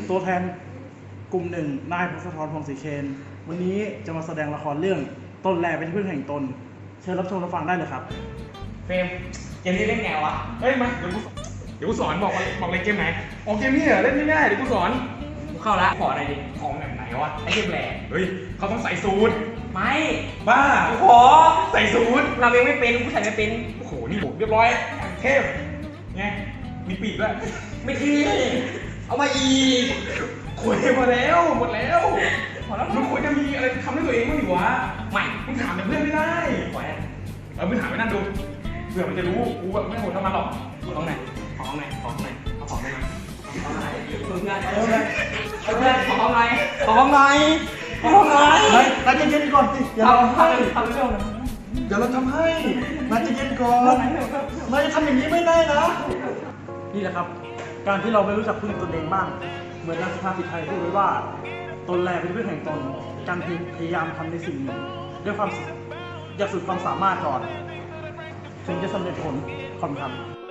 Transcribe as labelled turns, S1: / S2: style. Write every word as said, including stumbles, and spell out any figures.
S1: ตัวแทนกลุ่มหนึ่งนายพงศธร พงศรีเคนวันนี้จะมาแสดงละครเรื่องตนแลเป็นที่พึ่งแห่งตนเชิญรับชมรับฟังได้เลยครับ
S2: เฟรมเกมนี้เล่นไงวะ
S3: เฮ้ยมาเดี๋ยวกูเดี๋ยวกูสอนบอกบอกเลยเกมไหนออกเกมนี้เหรอเล่นง่ายๆเดี๋ยวกูสอน
S2: กูเข้าละขออะไรดิ
S3: ของแบบไหนวะ
S2: ไอ้เกมแหลก
S3: เฮ้ยเขาต้องใส่สูท
S2: ไม่
S3: บ้า
S2: กูขอ
S3: ใส่สูท
S2: เราเองไม่เป็นกูใส่ไม่เป็น
S3: โอ้โหนี่เรียบร้อยเทพไงมีปีกด้วย
S2: ไม่ทีเอามาอีก
S3: คุยมาแล้วหมดแล้ว
S2: พอแล้ว
S3: มึงควรจะมีอะไรทำให้ตัวเองบ้างดิวะ
S2: ไม่
S3: มึงถามเพื่อนไม่ได้
S2: ปล่อย
S3: เออมึงถามไปนั่นดูเผื่อมันจะรู้กูแบบไม่โหดเท่ามันหรอก
S2: ของไหนของไหนของไหนเอาของไหนมาของไหนเพื่อนเพื่อนเพื่อนของไหนของไหนของไหน
S1: เฮ้ยนัดเย็นๆก่อนสิอย่าเราให้
S2: ทำเรื่องนะ
S1: เดี๋ยวเราทำให้นัดเย็นๆก่อนนายจะทำอย่างนี้ไม่ได้นะนี่แหละครับการที่เราไม่รู้จักพึ่งตนเองบ้างเหมือนนักสุภาษิตไทยพูดไว้ว่าตนแลเป็นที่พึ่งแห่งตนการพยายามทำในสิ่งหนึ่งด้วยความอยากสุดความสามารถก่อนถึงจะสำเร็จผลความทำ